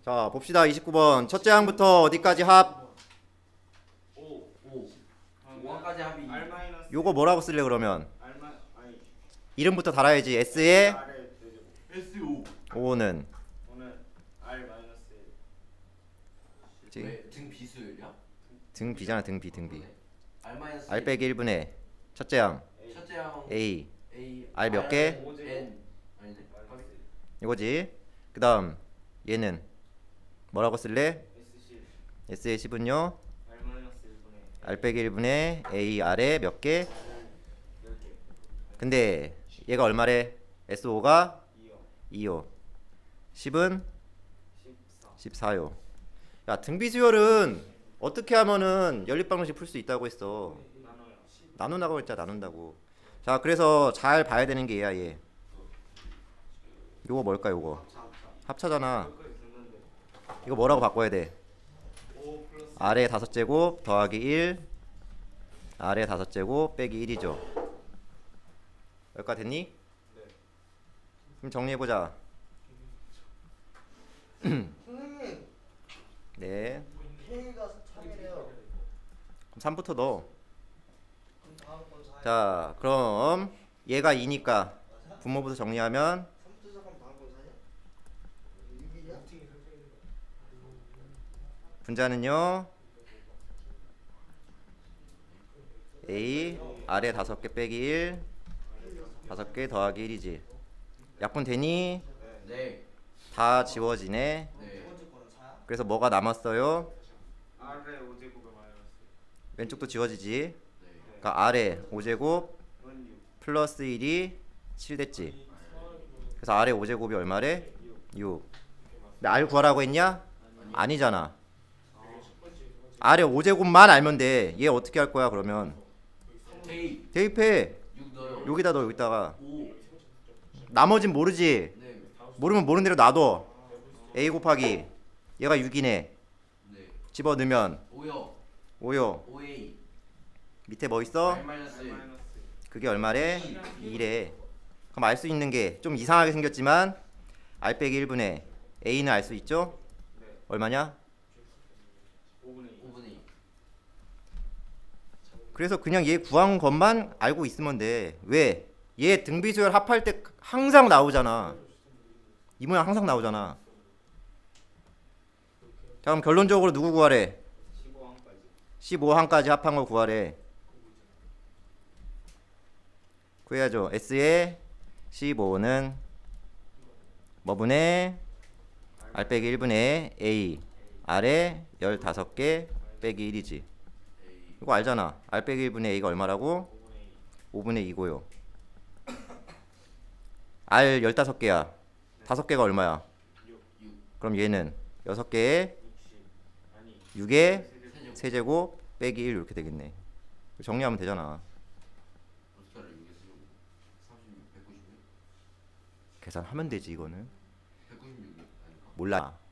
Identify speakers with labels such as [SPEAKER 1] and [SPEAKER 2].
[SPEAKER 1] 자, 봅시다. 29번. 첫째 항부터 어디까지 합?
[SPEAKER 2] 5
[SPEAKER 3] 5화까지 합이
[SPEAKER 2] R 마이너스
[SPEAKER 1] 요거 뭐라고 쓸래 그러면?
[SPEAKER 2] 아니
[SPEAKER 1] 이름부터 달아야지. S의
[SPEAKER 2] R의 대제곱
[SPEAKER 3] SO
[SPEAKER 1] 5는
[SPEAKER 2] 오늘 R 마이너스
[SPEAKER 3] 등 비수열이야?
[SPEAKER 1] 등 B잖아. 등 B. 등 B.
[SPEAKER 3] R 마이너스
[SPEAKER 1] R 빼기 1분의 첫째 항
[SPEAKER 3] 첫째 항
[SPEAKER 1] A
[SPEAKER 3] A
[SPEAKER 1] R 몇 개?
[SPEAKER 3] N 아니네
[SPEAKER 1] 이거지. 그 다음 얘는 뭐라고 쓸래?
[SPEAKER 2] SC
[SPEAKER 1] S의 10은요?
[SPEAKER 2] R 마이너스 1분의
[SPEAKER 1] R 빼기 1분의 A R에 몇 개?
[SPEAKER 2] 10개
[SPEAKER 1] 근데 얘가 얼마래? SO가
[SPEAKER 2] 2요
[SPEAKER 1] 2요. 10은
[SPEAKER 2] 14
[SPEAKER 1] 14요. 야, 등비수열은 어떻게 하면은 연립방정식 풀 수 있다고 했어.
[SPEAKER 2] 나눠요
[SPEAKER 1] 나눈다고 했잖아. 나눈다고. 자, 그래서 잘 봐야 되는 게 얘야, 얘. 요거 뭘까, 요거? 합차잖아. 이거 뭐라고 바꿔야 돼?
[SPEAKER 2] 5 플러스
[SPEAKER 1] R의 5제곱 더하기 1 R의 5제곱 빼기 1이죠. 여기까지 됐니?
[SPEAKER 2] 네.
[SPEAKER 1] 그럼 정리해보자.
[SPEAKER 4] 선생님,
[SPEAKER 1] 네.
[SPEAKER 4] K가 3이래요.
[SPEAKER 1] 그럼 3부터 넣어.
[SPEAKER 4] 그럼 다음 건 4.
[SPEAKER 1] 자, 그럼 얘가 2니까 분모부터 정리하면
[SPEAKER 4] 3부터 시작하면 다음 건 4냐? 6이냐?
[SPEAKER 1] 분자는요 A R에 5개 빼기 1 5개 더하기 1이지. 약분 되니?
[SPEAKER 3] 네
[SPEAKER 1] 다 지워지네.
[SPEAKER 4] 두
[SPEAKER 3] 네
[SPEAKER 4] 번째 거는 4야?
[SPEAKER 1] 그래서 뭐가 남았어요?
[SPEAKER 2] R의 5제곱에 마이너스
[SPEAKER 1] 왼쪽도 지워지지.
[SPEAKER 3] 네
[SPEAKER 1] 그러니까 R에 5제곱
[SPEAKER 2] 은 6
[SPEAKER 1] 플러스 1이 7 됐지. 그래서 R의 5제곱이 얼마래? 6. 근데 R 구하라고 했냐? 아니잖아. R의 5제곱만 알면 돼. 얘 어떻게 할 거야 그러면?
[SPEAKER 3] K
[SPEAKER 1] 대입해.
[SPEAKER 3] 6 넣어요
[SPEAKER 1] 여기다 넣어. 여기다가
[SPEAKER 3] 5
[SPEAKER 1] 나머진 모르지.
[SPEAKER 3] 네
[SPEAKER 1] 모르면 모르는 대로 놔둬. A 곱하기 얘가 6이네.
[SPEAKER 3] 네
[SPEAKER 1] 집어넣으면
[SPEAKER 3] 5요
[SPEAKER 1] 5요.
[SPEAKER 3] 5A
[SPEAKER 1] 밑에 뭐 있어?
[SPEAKER 3] R 마이너스
[SPEAKER 2] R 마이너스
[SPEAKER 1] 그게 얼마래? 2래. 그럼 알 수 있는 게 좀 이상하게 생겼지만 R 빼기 1분의 A는 알 수 있죠?
[SPEAKER 2] 네
[SPEAKER 1] 얼마냐?
[SPEAKER 2] 5분의 2
[SPEAKER 3] 5분의 2
[SPEAKER 1] 그래서 그냥 얘 구한 것만 알고 있으면 돼. 왜? 얘 등비수열 합할 때 항상 나오잖아. 이 모양 항상 나오잖아. 자, 그럼 결론적으로 누구 구하래?
[SPEAKER 2] 15항까지
[SPEAKER 1] 15항까지 합한 걸 구하래. 구해야죠. S의 15는 뭐분의 R 빼기 1분의 A R에 15개 빼기 1이지.
[SPEAKER 3] A
[SPEAKER 1] 이거 알잖아. R 빼기 1분의 A가 얼마라고?
[SPEAKER 2] 5분의 2
[SPEAKER 1] 5분의 2고요. R 15개야. 5개가 얼마야?
[SPEAKER 2] 6
[SPEAKER 1] 그럼 얘는 6개에
[SPEAKER 2] 60 아니
[SPEAKER 1] 6의
[SPEAKER 3] 세제곱
[SPEAKER 1] 세제곱 빼기 1 이렇게 되겠네. 정리하면 되잖아.
[SPEAKER 3] 어떻게 알아 6에서 36 196
[SPEAKER 1] 계산하면 되지 이거는.
[SPEAKER 3] 196이 아닌가?
[SPEAKER 1] 몰라.